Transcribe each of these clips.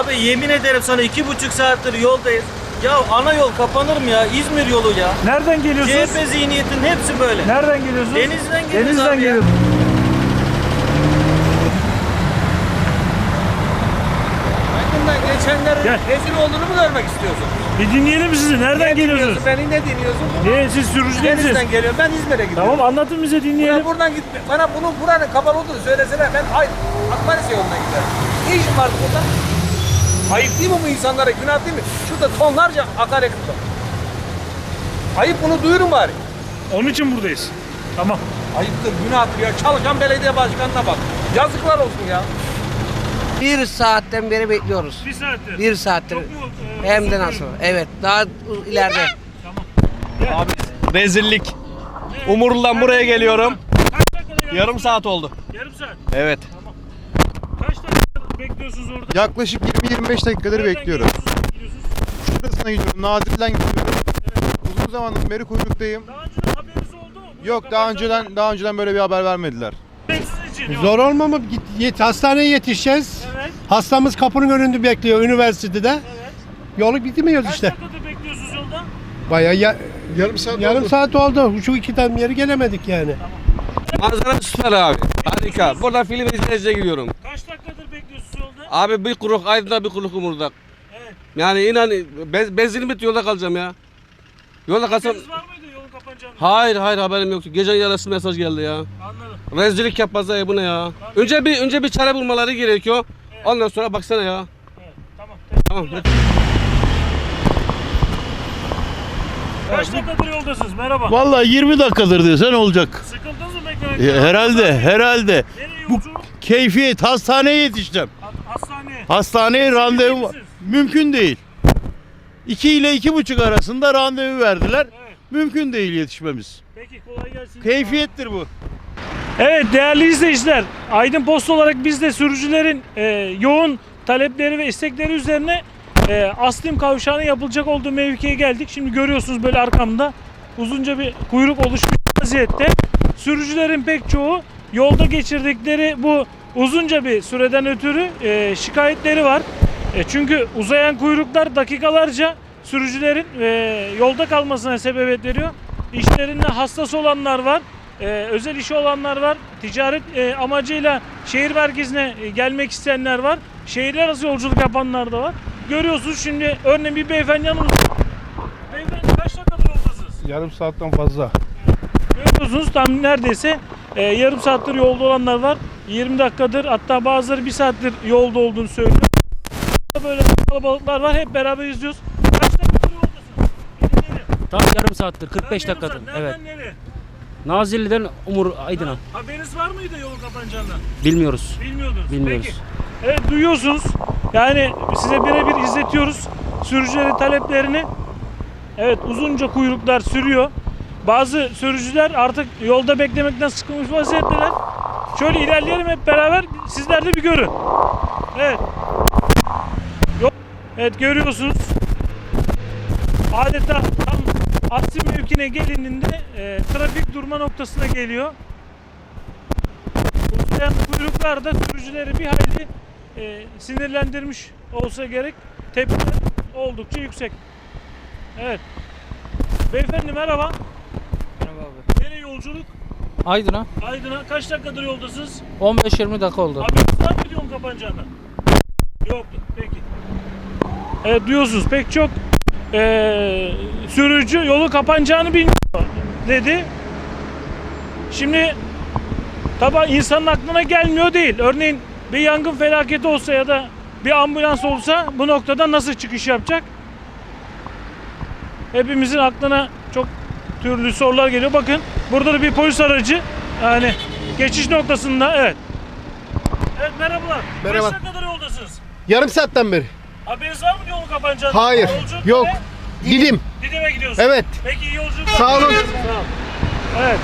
Abi yemin ederim sana 2,5 saattir yoldayız. Ya ana yol kapanır mı ya? İzmir yolu ya. Nereden geliyorsunuz? CHP zihniyetinin hepsi böyle. Nereden geliyorsunuz? Denizden geliyoruz Denizden abi ya. geliyorsunuz. Hakkından geçenlerin Gel. rezil olduğunu mu görmek istiyorsun? Bir dinleyelim sizi. Nereden geliyorsunuz? Beni ne dinliyorsun? Siz sürücü değilsiniz. Denizden geliyorum. Ben İzmir'e gidiyorum. Tamam, anlatın bize, dinleyelim. Bana buradan gitme. Bana buranın kapalı olduğunu söylesene. Ben Akmaris'e yoluna giderim. Ne işim vardı burada? Ayıp değil mi bu insanlara? Günah değil mi? Şurada tonlarca akaryakıt var. Ayıp, bunu duyurun bari. Onun için buradayız. Tamam. Ayıptır, günahtır ya. Çalışan belediye başkanına bak. Yazıklar olsun ya. Bir saatten beri bekliyoruz. Bir saattir. Bir saattir. Çok mu, Hem de uzun nasıl? kuyruk? Evet. Daha ileride. Tamam. Abi rezillik. Umurlu'dan buraya geliyorum. Kaç dakikada Yarım saat oldu. Yarım saat. Evet. Kaç dakika bekliyorsunuz orada? Yaklaşık 20-25 dakikadır Nereden bekliyorum. gidiyorsunuz? Şurasına gidiyorum, Nazilli'den gidiyorum. Uzun zamandır beri kuyruktayım. Daha önceden haberiniz oldu mu? Yok, daha önceden böyle bir haber vermediler. Sizin için yok. Zor olma mı? Hastaneye yetişeceğiz. Evet. Hastamız kapının önünde bekliyor üniversitede. Evet. Yolu bitmiyoruz Kaç işte. dakikada bekliyorsunuz yolda? Bayağı Yarım saat oldu. Şu iki tane yeri gelemedik yani. Manzara süper abi. Harika. Burada film izleyiciye gidiyorum. Kaç dakikadır bekliyorsunuz yolda? Abi bir kuruk Aydın'da, bir kuruk Umur'da. Evet. Yani inan benzinim bitti, yolda kalacağım ya. Yolda kalsam... Haberiniz var mıydı yolun kapanacağını? Hayır haberim yoktu. Gece yarısı mesaj geldi ya. Anladım. Rezillik yapmazlar ya, bu ne ya? Önce bir çare bulmaları gerekiyor. Ondan sonra baksana ya. Evet. Tamam. Tamam. Kaç dakikadır yoldasınız? Merhaba. Vallahi 20 dakikadır desen olacak. Sıkıldınız mı beklemekten? Herhalde. Nereye Bu yolculuk? keyfiyet, hastaneye yetişeceğim. Hastaneye. Hastaneye randevu misiniz? mümkün değil. 2 ile 2,5 arasında randevu verdiler. Evet. Mümkün değil yetişmemiz. Peki, kolay gelsin. Keyfiyettir bu. Evet değerli izleyiciler, Aydın Post olarak biz de sürücülerin yoğun talepleri ve istekleri üzerine Aslim Kavşağı'nın yapılacak olduğu mevkiye geldik. Şimdi görüyorsunuz böyle arkamda uzunca bir kuyruk oluşmuş vaziyette. Sürücülerin pek çoğu yolda geçirdikleri bu uzunca bir süreden ötürü şikayetleri var. Çünkü uzayan kuyruklar dakikalarca sürücülerin yolda kalmasına sebebiyet veriyor. İşlerinde hassas olanlar var. Özel işi olanlar var. Ticaret amacıyla şehir merkezine gelmek isteyenler var. Şehirler arası yolculuk yapanlar da var. Görüyorsunuz şimdi örneğin bir beyefendi yanımızda. Beyefendi kaç dakikadır yoldasınız? Yarım saatten fazla. Görüyorsunuz tam neredeyse yarım saattir yolda olanlar var. 20 dakikadır, hatta bazıları 1 saattir yolda olduğunu söylüyor. Böyle kalabalıklar var, hep beraber izliyoruz. Kaç dakikadır yoldasınız? Tam yarım saattir, 45 dakikadır. Evet. Nereden nereye? Nazilli'den Aydın'a. Haberiniz var mıydı yolun kapanacağından? Bilmiyoruz. Bilmiyordunuz. Bilmiyoruz. Peki. Evet, duyuyorsunuz. Yani size birebir izletiyoruz sürücülerin taleplerini. Evet, uzunca kuyruklar sürüyor. Bazı sürücüler artık yolda beklemekten sıkılmış vaziyetteler. Şöyle ilerleyelim hep beraber, sizler de bir görün. Evet. Evet, görüyorsunuz. Adeta tam Aslim mevkine gelindiğinde trafik durma noktasına geliyor. Uzayan kuyruklar da sürücüleri bir hayli sinirlendirmiş olsa gerek. Tepkiler oldukça yüksek. Evet. Beyefendi merhaba. Merhaba abi. Nereye yolculuk? Aydın'a Aydın'a. Kaç dakikadır yoldasınız? 15-20 dakika oldu. Haberiniz var mıydı yolun kapanacağından? Yoktu. Peki. Evet, duyuyorsunuz pek çok sürücü yolu kapanacağını bilmiyor dedi. Şimdi tabi insanın aklına gelmiyor değil. Örneğin bir yangın felaketi olsa ya da bir ambulans olsa bu noktadan nasıl çıkış yapacak? Hepimizin aklına çok türlü sorular geliyor. Bakın burada da bir polis aracı, yani geçiş noktasında. Evet. Evet, merhabalar. Merhaba. Kaç dakikadır yoldasınız? Yarım saatten beri. Haberiniz var mı yolun kapanacağından? Hayır. Yolculuk Yok. nereye? Didim'e Didim'e gidiyorsunuz. Evet. Peki, iyi yolculuklar. Sağ olun. Sağ olun. Evet.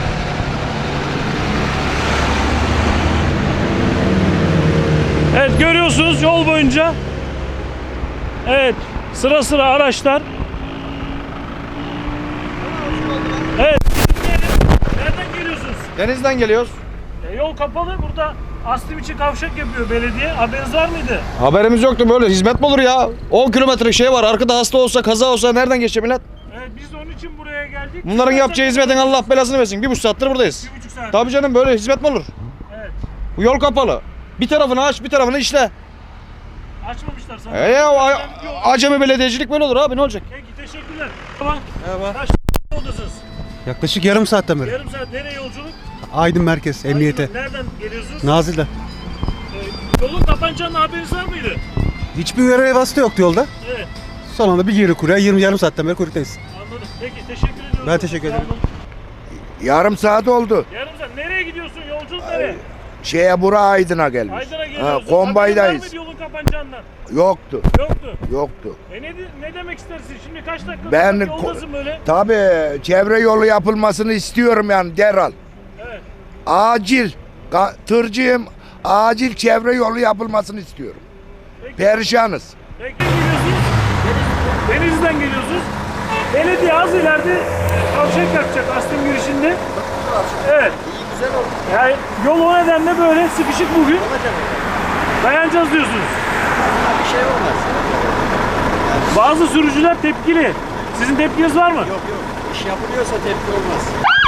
Evet, görüyorsunuz yol boyunca. Evet, sıra sıra araçlar. Evet. Nereden geliyorsunuz? Denizden geliyoruz. Yol kapalı burada. Aslim için kavşak yapıyor belediye. Haberiniz var mıydı? Haberimiz yoktu, böyle hizmet mi olur ya? 10 kilometre şey var, arkada hasta olsa, kaza olsa nereden geçecek millet? Evet, biz de onun için buraya geldik. Bunların yapacağı hizmetin Allah belasını versin. 1,5 saattir buradayız. 1,5 saat. Tabii canım, böyle hizmet mi olur? Evet. Bu yol kapalı. Bir tarafını aç, bir tarafını işle. Açmamışlar sana. Acemi belediyecilik böyle olur abi, ne olacak? Peki, teşekkürler. Tamam. Merhaba. Kaç yoldasınız? Yaklaşık yarım saatten beri. Yarım saat. Nereye yolculuk? Aydın Merkez, Emniyete. Aydın'dan nereden geliyorsunuz? Nazil'den. Yolun kapanacağının haberiniz var mıydı? Hiçbir uyarı vasıta yoktu yolda. Evet. Son anda bir geri kuruya yarım saatten beri kuyruktayız. Anladım. Peki, teşekkür ediyorum. Ben teşekkür ederim. Sağ olun. Yarım saat oldu. Yarım saat. Nereye gidiyorsun? Yolculuk nereye? Bura Aydın'a gelmiş. Aydın'a geliyorsun. Kombaydayız. Haberin var mıydı yolun kapanacağından? Yoktu. Yoktu. Yoktu. Ne demek istersin? Şimdi kaç dakika Ben yoldasın böyle? tabii çevre yolu yapılmasını istiyorum yani derhal. Evet. Acil. Tırcıyım. Acil çevre yolu yapılmasını istiyorum. Peki. Perişanız. Peki, geliyorsunuz. Denizli'den geliyorsunuz. Belediye az ileride kavşak yapacak Aslim girişinde. Evet. Güzel oldu. Yani yol o nedenle böyle sıkışık bugün. Dayanacağız diyorsunuz. Bir şey olmaz. Bazı sürücüler tepkili. Sizin tepkiniz var mı? Yok. İş yapılıyorsa tepki olmaz.